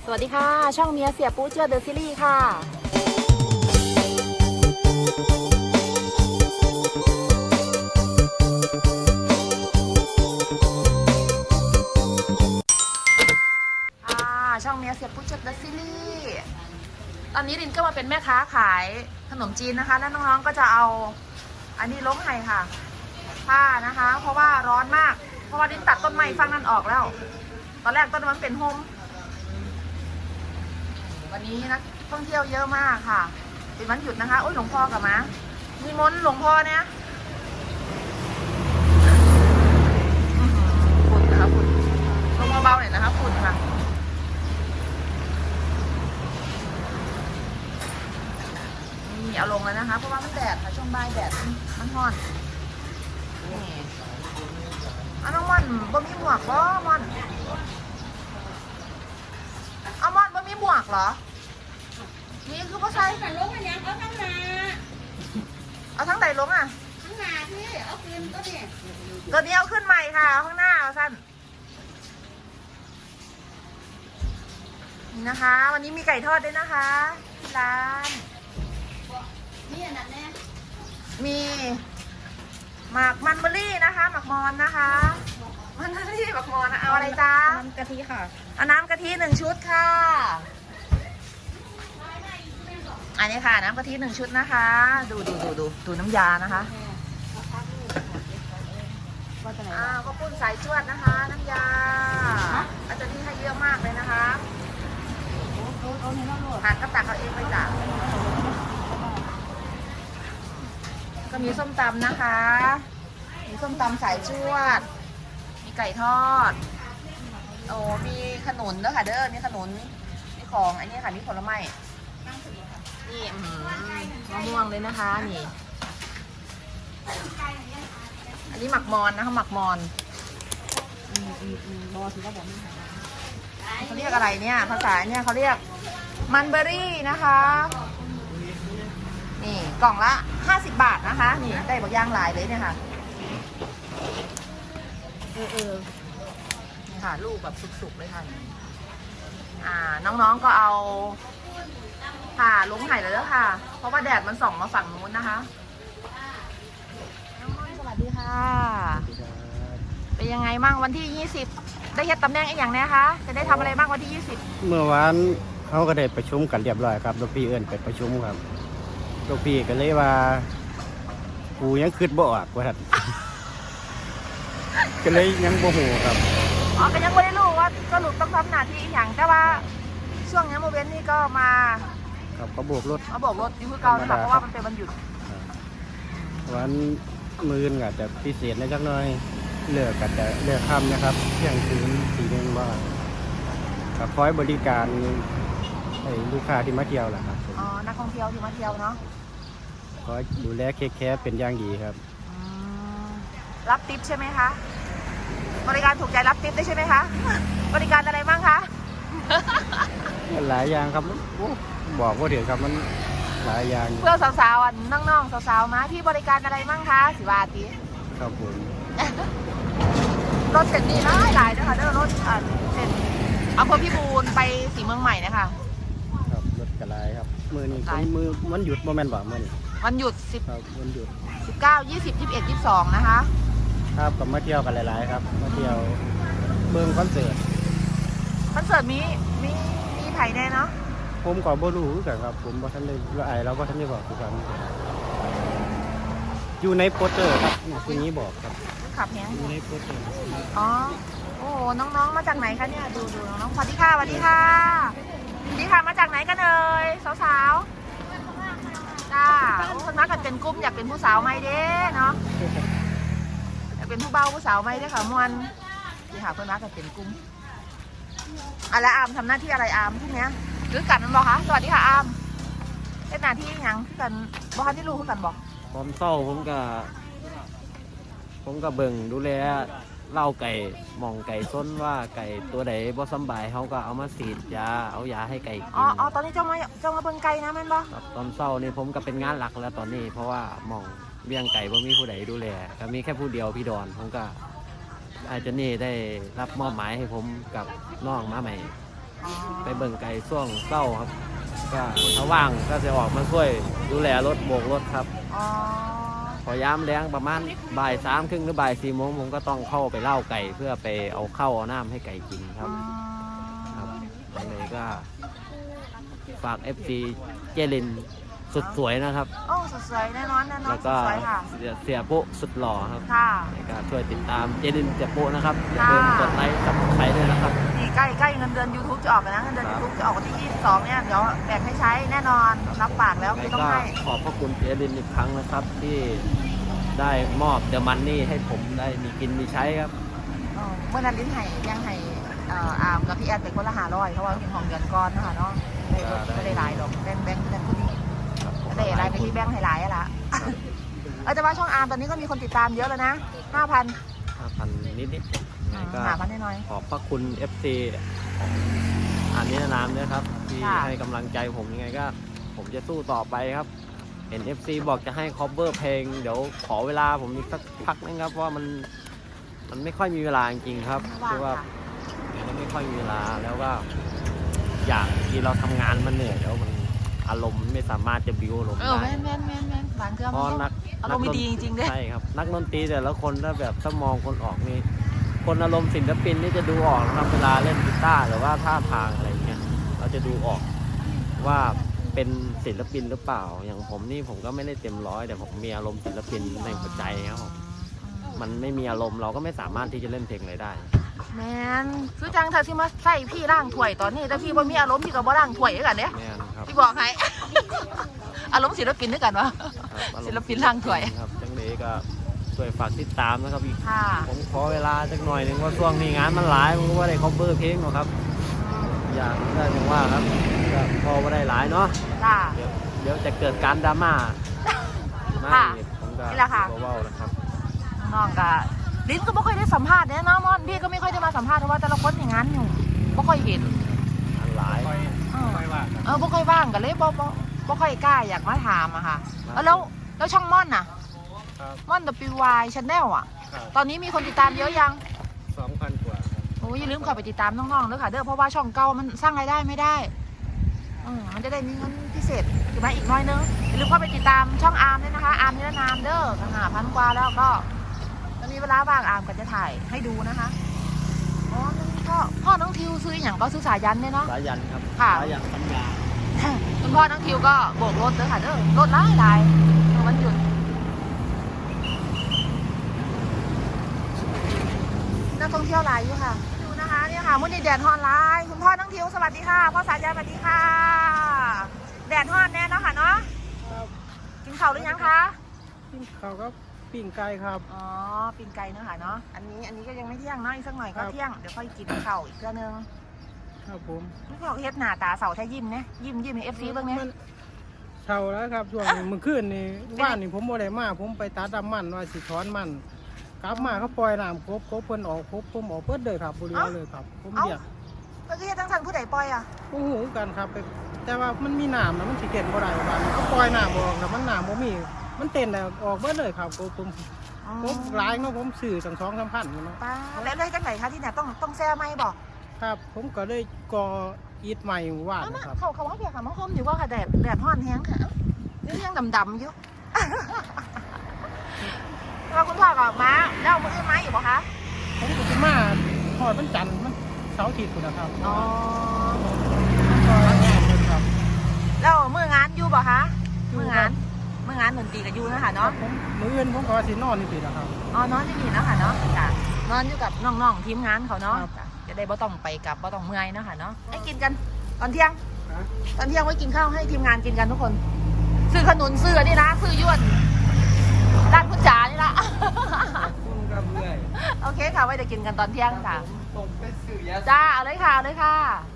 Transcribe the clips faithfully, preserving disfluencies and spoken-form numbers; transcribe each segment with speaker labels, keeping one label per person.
Speaker 1: สวัสดีค่ะช่องเมียเสียปูเจือเดอะซีรีส์ค่ะช่องเมียเสียปูเจือเดอะซีรีส์ตอนนี้รินก็มาเป็นแม่ค้าขายขนมจีนนะคะแล้วน้องๆก็จะเอาอันนี้ล้มไห้ค่ะผ้านะคะเพราะว่าร้อนมากเพราะว่ารินตัดต้นไม้ฟังนั้นออกแล้วตอนแรกต้นมันเป็นโฮมวันนี้นักท่องเที่ยวเยอะมากค่ะเป็นวันหยุดนะคะโอ้ยหลวงพ่อกับมามีมนต์หลวงพ่อเนี่ยฝุ่นนะคะฝุ่นลงเบาๆหน่อยนะคะฝุ่นค่ะนี่เอาลงแล้วนะคะเพราะว่ามันแดดค่ะช่วงบ่ายแดดมันร้อนนี่เอาน้องม่อนบ่มีหมวกบ่ม่อนเอาม่อนบ่มีหมวกเหรอนี่คือพ่อใช้
Speaker 2: แต่ลงอันยังเอาทั้งนา
Speaker 1: เอาทั้งใดลงอ่ะ
Speaker 2: ทั้งนาที่เอาคืนก็เนี่ย
Speaker 1: ตัวนี้เอาขึ้นใหม่ค่ะข้างหน้าเอาสั้นนี่นะคะวันนี้มีไก่ทอดด้วยนะคะที่ร้าน
Speaker 2: นี่อันนั้นแน่
Speaker 1: มีหมักมันเบอร์รี่นะคะหมักมอนนะคะมันเบอร์รี่หมักมอนนะเอาอะไรจ้า
Speaker 2: น้ำกะทิค่ะ
Speaker 1: เอาน้ำกะทิหนึ่งชุดค่ะอันนี้ค่ะน้ำกะทิหนึ่งชุดนะคะดูดูดูดูดูน้ำยานะคะอ้าวก็ปุ้นสายจวดนะคะน้ำยาอาจารย์ที่ให้เยอะมากเลยนะคะผัดก็ตักเอาเองไปจ้ะก็มีส้มตำนะคะมีส้มตำสายจวดมีไก่ทอดโอ้มีขนุนด้วยค่ะเด้อมีขนุนมีของอันนี้ค่ะมีผลไม้นี่มะม่วงเลยนะคะนี่อันนี้หมักมอนนะคะหมักมอน
Speaker 2: อืมอืมอืมบอถือว่าบอกไม่หาย
Speaker 1: เขาเรียกอะไรเนี่ยภาษาเนี่ยเขาเรียกมันเบอร์รี่นะคะนี่กล่องละห้าสิบบาทนะคะนี่ได้บางอย่างหลายเลยเนี่ยค่ะเออเออนี่ค่ะลูกแบบสุกๆเลยค่ะอ่าน้องๆก็เอาค่ะล้มไห่เลยแล้วค่ะเพราะว่าแดดมันส่องมาฝั่งนู้นนะคะน้องม่อนสวัสดีค่ะเป็นยังไงบ้างวันที่ยี่สิบได้เฮ็ดตำแหน่งอีกอย่างเนี้ยคะจะได้ทำอะไรบ้างวันที่ยี่สิบ
Speaker 3: เมื่อวานเขาก็ได้ประชุมกันเรียบร้อยครับลูกพี่เอิ้นไปประชุมครับลูกพี่ก็เลยว่ากูยังคิดบ่ออกว่าท่านก็เลยยังบ่ฮู้ครับ
Speaker 1: อ๋อก็ยังไม่ได้รู้ว่าสรุปต้องทำหน้าที่อีกอย่างแต่ว่าช่วงนี้โมเวนนี่ก็มา
Speaker 3: ครับเขาโบกรถ
Speaker 1: มาโบกรถอยู่คือเก่านะคะเพราะว่ามันเป็นวันหยุด
Speaker 3: วันมื้อก็จะพิเศษในจักหน่อยเลือกก็จะเลือกค่ำนะครับเที่ยงคืนตีหนึ่งว่าก็คอยบริการให้ลูกค้าที่มาเที่ยวแหละครับ
Speaker 1: อ๋อนักท่องเที่ยวที่มาเที่ยวเนาะ
Speaker 3: คอยดูแลเค้กแคร์เป็นอย่างดีครับ
Speaker 1: รับทิปใช่ไหมคะบริการถูกใจรับทิปได้ใช่ไหมคะบริการอะไรบ้างคะ
Speaker 3: หลายอย่างครับบอกว่าเดี๋ยวครับมันหลายอย่าง
Speaker 1: เพื่อสาวๆน้องๆสาวๆมาพี่บริการอะไรบ้างคะสิวาตี
Speaker 3: ครับผม
Speaker 1: รถเสร็จดีหลายหลายนะคะเด้อรถเสร็จอำเภอพิบูลไปสีเมืองใหม่นะคะ
Speaker 3: ครับรถกระไรครับมือนี้มือมันหยุดโมเมนต์บ่มือนี้
Speaker 1: วันหยุดสิบ
Speaker 3: ครับวันหยุด
Speaker 1: สิบเก้ายี่สิบยี่สิบเอ็ดยี่สิบสองนะคะ
Speaker 3: ครับกับมาเที่ยวกันหลายๆครับมาเที่ยวเมืองคอนเสิร์ต
Speaker 1: คอนเสิร์ตมีมีมีไผ่แน่เนาะ
Speaker 3: ผมก็บ่รู้กันครับผมบ่ทันได้ว่าไอ้เราบ่ทันได้บอกคือกันอยู่ในโปสเตอร์ครับทีนี้บอกครับ
Speaker 1: ขับแฮง
Speaker 3: อยู่ในโปสเตอร์
Speaker 1: อ๋อโอ้น้องๆมาจากไหนคะเนี่ยดูดูน้องสวัสดีค่ะสวัสดีค่ะสวัสดีค่ะมาจากไหนกันเอ่ยสาวๆจ้าคนมากันเป็นกลุ่มอยากเป็นผู้สาวไหมเด้เนาะอยากเป็นผู้เบาผู้สาวไหมเด้ค่ะมวนนี่ค่ะเพื่อนมากันเป็นกลุ่มอะไรอามทำหน้าที่อะไรอามที่เนี้ยหรือกันมันบอกคะสวัสดีค่ะอามเป็นหน้าที่ยังที่กันบอกที่รู้ที่กันบอก
Speaker 4: ผมเศร้าผมก็ผมก็เบิ่งดูแลเล่าไก่มองไก่ส้นว่าไก่ตัวใดบ่สบายเขาก็เอามาฉีดยาเอายาให้ไก่กิน
Speaker 1: อ๋ออ๋อตอนนี้เจ้ามาเจ้ามาเบิ่งไก่นะแม่นบ่
Speaker 4: ตอนเศร้านี่ผมก็เป็นงานหลักแล้วตอนนี้เพราะว่ามองเลี้ยงไก่บ่มีผู้ใดดูแลก็มีแค่ผู้เดียวพี่ดอนผมก็อาจจะนี่ได้รับมอบหมายให้ผมกับน้องมาใหม่
Speaker 1: อ๋อ
Speaker 4: ไปเบิ่งไก่ช่วงเศร้าครับก็ถ้าว่างก็จะออกมาช่วยดูแลรถโบกรถครับ
Speaker 1: อ๋อ
Speaker 4: พอยามแล้งประมาณบ่ายสามครึ่งหรือบ่ายสี่โมงผมก็ต้องเข้าไปเล่าไก่เพื่อไปเอาเข้าวเอาน้ำให้ไก่กินครับ
Speaker 1: อืม
Speaker 4: ครับเลยก็ฝาก เอฟ ซี เจลินสุดสวยนะครับ
Speaker 1: โอ้สดสวยแน่นอนแน่นอน
Speaker 4: แล้ว
Speaker 1: ส
Speaker 4: ก็
Speaker 1: ดสวยค่ะ
Speaker 4: เสียเสียปุ๊สุดหล่อครับ
Speaker 1: ค่ะ
Speaker 4: แล้วก็ช่วยติดตามเจลินเสียปุ๊นะครับอย่าลืม
Speaker 1: ค่ะ
Speaker 4: กดไลค์กับใครด้วยนะครับ
Speaker 1: นี่ใกล้ใกล้เงินเดือน YouTube จะออกแล้วนะเงินเดือน
Speaker 4: ครับ
Speaker 1: YouTube จะออกวันที่ยี่สิบสองเนี่ยเดี๋ยวแบ่งให้ใช้แน่นอนรับปากแล้ว
Speaker 4: แล้
Speaker 1: คือ
Speaker 4: ว
Speaker 1: ต้อง
Speaker 4: ก็
Speaker 1: ให้
Speaker 4: ขอบพระคุณเจลินอีกครั้งนะครับ ที่ได้มอบเดอะมันนี่ให้ผมได้มีกินมีใช้ครับ
Speaker 1: เออเมื่อนั้นลิ้นไห้ยังไห้เอ่ออามกับพี่แอดเป็นคนละหาร้อยเพราะว่าเป็นของเดือนก้อนนะคะเนาะไม่ได้ไม่ได้หลายหรอกแบ่งแบ่งกันคนนี้
Speaker 4: ครับผม
Speaker 1: ได้อะไรกับที่แบ่งให้หลายอะล่ะเออแต่ว่าช่องอาร์มตอนนี้ก็มีคนติดตามเยอะแล้วนะห้าพัน
Speaker 4: ห้าพันนิดๆยังไงก็
Speaker 1: หาพันน้อย
Speaker 4: ขอบพระคุณ เอฟ ซี อ่านนิรนามด้วยครับ ที่
Speaker 1: ค่ะ
Speaker 4: ให้กำลังใจผมยังไงก็ ผมจะสู้ต่อไปครับ เห็น เอฟ ซี บอกจะให้ cover เพลง เดี๋ยวขอเวลาผมอีกสักพักนึงครับเพราะว่ามันมันไม่ค่อยมีเวลาจริงๆครับ
Speaker 1: ๆว่าง
Speaker 4: คือว่า
Speaker 1: ค่ะ
Speaker 4: มันไม่ค่อยมีเวลาแล้วก็อย่างที่เราทำงานมันเหนื่อยแล้วมันอารมณ์ไม่สามารถจะบิวอารมณ์
Speaker 1: เออ
Speaker 4: ได้
Speaker 1: แม่นแม่นแม่นแม่นบางเครื่อง
Speaker 4: เพราะนัก
Speaker 1: อารมณ์ไม่ดีจริงๆเด้
Speaker 4: ใช่ครับ นักดนตรีแต่ละคนถ้าแบบถ้ามองคนออกนี่คนอารมณ์ศิลปินนี่จะดูออกนะครับเวลาเล่นกีตาร์หรือว่าท่าทางอะไรเงี้ยเราจะดูออกว่าเป็นศิลปินหรือเปล่า อย่างผมนี่ผมก็ไม่ได้เต็มร้อยแต่ผมมีอารมณ์ศิลปินในหัวใจครับผมมันไม่มีอารมณ์เราก็ไม่สามารถที่จะเล่นเพลงอะไรได้
Speaker 1: แมนคือจังเธอที่มาใส่พี่ร่างถ้วยตอนนี้แต่พี่ว่ามีอารมณ์พี่ก็บ่ร่างถ้วยด้วยกันเนี่ย
Speaker 4: แม่นครับ
Speaker 1: พี่บอกให้ อารมณ์ศิลปินด้วยกันวะ
Speaker 4: ครับอารมณ์
Speaker 1: ศิลปินร่างถ้วย
Speaker 4: ครับจังเลยก็ช่วยฝากติดตามนะครับอีก
Speaker 1: ค่ะ
Speaker 4: ผมขอเวลาสักหน่อยหนึ่งว่าช่วงนี้งานมันหลายผมก็ว่าได้ cover เพลงหรอกครับ อย่างที่ได้ผมว่าครับก็พอว่าได้หลายเนาะ
Speaker 1: จ้า
Speaker 4: เดี๋ยวเดี๋ยวจะเกิดการดราม่ามา
Speaker 1: ค่ะ
Speaker 4: อีกผมก็
Speaker 1: นี่แหละค่ะ
Speaker 4: เบาๆนะครับ
Speaker 1: น้องก็ลิ้นก็ไม่ค่อยได้สัมภาษณ์เนี่ยน้องมอนพี่ก็ไม่ค่อยได้มาสัมภาษณ์เพราะว่าแต่ละคนอย่างนั้นอยู่ไม่ค่อยเห็น
Speaker 4: งานหลาย
Speaker 1: เออเออไม่ค่อยว่างกันเลยบ่บ่บ่ค่อยกล้าอยากมาถามอะค่ะเออแล้วแล้วช่องม่อนน่ะ
Speaker 3: ครับ
Speaker 1: ม่อน ดับเบิลยู วาย Channel อ่ะ
Speaker 3: ครับ
Speaker 1: ตอนนี้มีคนติดตามเยอะยัง
Speaker 3: สองพันกว่าครับ
Speaker 1: โอ้ยอย่าลืมเข้าไปติดตามน้องๆด้วยค่ะเด้อเพราะว่าช่องเก่ามันสร้างรายได้ไม่ได้อืมมันจะได้มีเงินพิเศษอยู่มาอีกน้อยนึงอย่าลืมเข้าไปติดตามช่องอาร์มด้วยนะคะอาร์มนิรนามเด้อหาพันกว่าแล้วก็จะมีเวลาว่างอาร์มก็จะถ่ายให้ดูนะคะอ๋อนั่นก็พ่อน้องทิวซื้ออหย่างก็ซื้อสายยันเนี่ยเนาะ
Speaker 4: สายันครับ
Speaker 1: ค่ะ
Speaker 4: สายันปัญญา
Speaker 1: คุณพ่อน้องทิวก็โบกรถเด้อค่ะเด้อรถหลายหลายวันหยุดนักท่องเที่ยวหลายอยู่ค่ะดูนะคะเนี่ยค่ะมุนีแดดฮอนไลน์คุณพ่อน้องทิวสวัสดีค่ะพ่อสายยันสวัสดีค่ะ แดดฮอนแน่เนาะค่ะเนาะ
Speaker 3: ครับ
Speaker 1: กินข้าวหรือยังคะ
Speaker 3: ปิ้งข้าวครับปิ้งไก่ครับ
Speaker 1: อ๋อปิ้งไก่เนาะค่ะเนาะอันนี้อันนี้ก็ยังไม่เที่ยงเนาะอีกสักหน่อย
Speaker 3: ครั
Speaker 1: ก็
Speaker 3: บ
Speaker 1: เที่ยงเดี๋ยวค่อยกินข้าวอีกเทื่อนึง
Speaker 3: ครับผม
Speaker 1: นี่ก็เฮ็ดหน้าตาเสาแท้ยิ้มเนี่ยยิ้มยิ้มให้เอฟซีเบ้างเนี่ย
Speaker 3: มันเช่าแล้วครับช่วงนี้เมื่อคืนนี่ว่านนี่ผมบ่ได้มาผมไปตัดดำมันว่าสิถอนมันกลับมาเขาปล่อยน้ำครบครบเพิ่นออกครบผมออกเปิดเลยครับบริวารเลยครับ ผมเรียก
Speaker 1: เมื่อกี้ตั้งทันผู้ใดปล่อยอ่ะ
Speaker 3: โอ้โหกันครับไปแต่ว่ามันมีน้ำนะมันสิเก็นบ่ได้บ้านเขาปล่อยน้ำออกแต่มันน้ำบ่มีมันเต้นแล้วออกเบิดเลยครับผมผมผมหลายเนาะผมซื้อตั้งสองสามพันอยู่เนาะ
Speaker 1: ป้าแล้วเลยจังไหนคะที่เนี่ยต้องต้องแซ่ไหมบอก
Speaker 3: ครับ ผมก็เลยก่ออีทใหม่ว่าน
Speaker 1: เอามา
Speaker 3: นะครับ
Speaker 1: เขาเขาว่าเพียค่ะมาคมอยู่ว่าค่ะแดดแดดฮ้อนแห้งค่ะนี่ยังดำๆอยู่ แล้วคุณพ่อกับม้าแล้วมืออื่นม้าอยู่ปะคะ
Speaker 3: ผมก็สิมาทอดมันจันทร์มันเสาร์อาทิตย์พุ่นนะครับ
Speaker 1: อ๋อ
Speaker 3: มันก็งานเลยครับ
Speaker 1: แล้วมืองานอยู่ปะคะมืองานมืองานดนตรีกับยูนะคะ
Speaker 3: ครั
Speaker 1: เนาะ
Speaker 3: บผมมื้ออื่นผมก็สินอนนี่สินะครับ
Speaker 1: อ๋อนอนที่นี่เนาะค่ะเนาะจ้ะนอนอยู่กับน้องๆทีมงานเขาเนาะ
Speaker 3: ครับ
Speaker 1: จ้ะจะได้บ่ต้องไปกลับบ่ต้องเมื่อยเนาะค่ะเนาะให้กินกันตอนเที่ยง
Speaker 3: นะ
Speaker 1: ตอนเที่ยงไว้กินข้าวให้ทีมงานกินกันทุกคน ซื้อขนุนซื้อนี่นะซื้อย้วนร้านคุณจ๋านี่ละ
Speaker 3: คุณครับเรื่อย
Speaker 1: โอเคค่ะไว้เดี๋ยวกินกันตอนเที่ยงค่ะ
Speaker 3: ผมไปซื้อยา
Speaker 1: จ้าเอาเลยค่ะเอาเลยค่ะ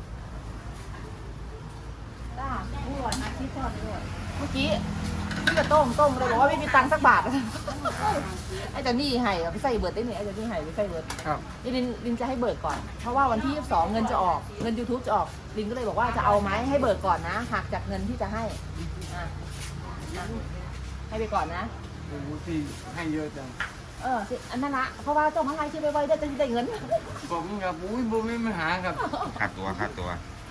Speaker 1: จ้าพูดอาชีพก่อนเลยเมื่อกี้พี่กระโต้งโต้งเลยบอกว่าไม่มีตังค์สักบาท ไอ้เจ้านี่ให้เอาไปใส่เบิร์ดได้เนี่ยไอ้เจ้านี่ให้ไปใส่เบิร์ด
Speaker 3: ครับ
Speaker 1: นี่ลินลินจะให้เบิกก่อน เพราะว่าวันที่ยี่สิบสองเงินจะออก เงิน YouTube จะออก ลินก็เลยบอกว่าจะเอาไหมให้เบิกก่อนนะ หักจากเงินที่จะให้อ่ะอ่ะให้ไปก่อนนะ
Speaker 3: โอ้โหพี่ให้เยอะจัง
Speaker 1: เออสิอันนั้นละเพราะว่าเจ้าของไลน์ชื่อไว้ๆได้จะได้เงิน
Speaker 3: ผมกับอุ้ยบ่มีปัญหาครับ
Speaker 5: ค่าตัวค่าตัว
Speaker 1: ค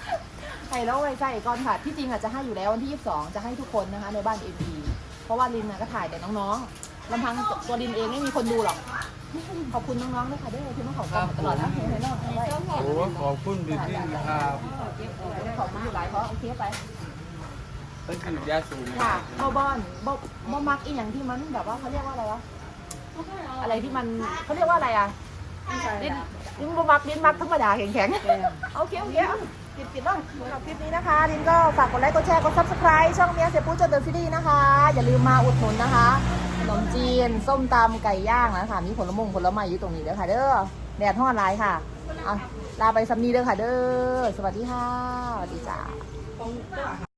Speaker 1: ใส่แล้วไว้ใส่ก่อนค่ะที่จริงอาจจะให้อยู่แล้ววันที่ยี่สิบสองจะให้ทุกคนนะคะในบ้านเอ็พีเพราะว่าลินนะก็ถ่ายแต่น้องๆลำพังตัวลินเองไม่มีคนดูหรอกขอบคุณน้องๆด้วยค่ะด้วยที่มาขอบคุณตลอดนะเห็นไหมน้องเอาไว้
Speaker 3: โอ้ขอบคุณพี่พี่ครับ
Speaker 1: ขอบคุณอยู่หลายเพราะโอเคไป
Speaker 3: เป็นคือยาสูบ
Speaker 1: ค่ะบอบอนบอบอมักอีอย่างที่มันแบบว่าเขาเรียกว่าอะไรวะอะไรที่มันเขาเรียกว่าอะไรอ่ะลิ้นลิ้นบอมักลิ้นมักธรรมดาแข็งๆโอเคโอเคปิดปิดบ้างสำหรับคลิปนี้นะคะลินก็ฝากกดไลค์กดแชร์กดซับสไครต์ช่องเมียเสียปูเจอเดอะซีรีส์นะคะอย่าลืมมาอุดหนุนนะคะขนมจีนส้มตำไก่ย่างนะคะมีผลมงผลไม้อยู่ตรงนี้เด้อค่ะเด้อแดดทอดไลน์ค่ะอ่ะลาไปซัมนีเด้อค่ะเด้อสวัสดีค่ะสวัสดีจ้า